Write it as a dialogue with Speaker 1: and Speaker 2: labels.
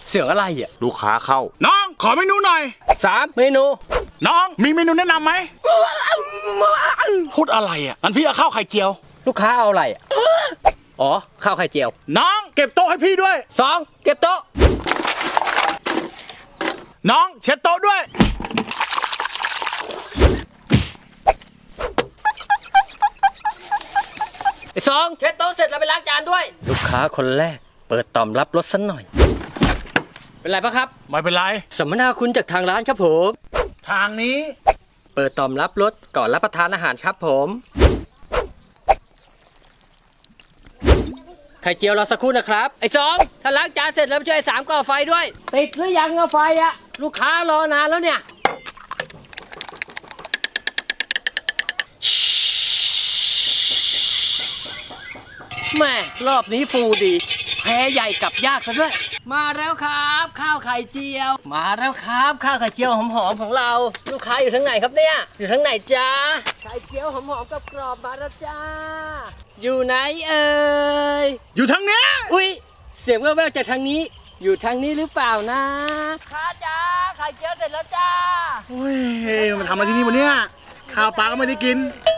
Speaker 1: เสียงอะไรอ่ะ
Speaker 2: ลูกค้าเข้าน้องขอเมนูหน่อย
Speaker 1: 3 เมนู
Speaker 2: น้องมีเมนูแนะนำไหมพูดอะไรอ่ะงั้นพี่เอาข้าวไข่เจียว
Speaker 1: ลูกค้าเอาอะไรอ่ะอ๋อข้าวไข่เจียว
Speaker 2: น้องเก็บโต๊ะให้พี่ด้วย
Speaker 1: 2 เก็บโต๊ะ
Speaker 2: น้องเช็ดโต๊ะด้วย
Speaker 1: 2 เช็ดโต๊ะเสร็จแล้วไปล้างจานด้วย ลูกค้าคนแรกเปิดต่อมรับรสสักหน่อย เป็นไรปะครับ
Speaker 2: ไม่เป็นไร
Speaker 1: สัมมนาคุณจากทางร้านครับผม
Speaker 2: ทางนี้
Speaker 1: เปิดต่อมรับรสก่อนรับประทานอาหารครับผม ไข่เจียวรอสักครู่นะครับ ไอ้2ถ้าล้างจานเสร็จแล้วช่วยไอ้3ก่อไฟด้วย ติดหรือยังอะไฟอะลูกค้ารอนานแล้วเนี่ยแม่รอบนี้ฟูดีแพ้ใหญ่กับยากซะด้วย มาแล้วครับ ข้าวไข่เจียว มาแล้วครับข้าวไข่เจียวหอมๆของเรา ลูกค้าอยู่ทางไหนครับเนี่ยอยู่ทางไหนจ้าไข่เจียวหอมๆกับกรอบมาแล้วจ้าอยู่ไหนเอ่ย
Speaker 2: อยู่ทางเนี้ย
Speaker 1: อุ๊ยเสียงแว่วๆจากทางนี้อยู่ทางนี้หรือเปล่านะค้าจ้าไข่เจียวเสร็จแล้วจ้า
Speaker 2: เฮ้ยมันทำอะไรที่นี่วะเนี่ยข้าวปลาก็ไม่ได้กิน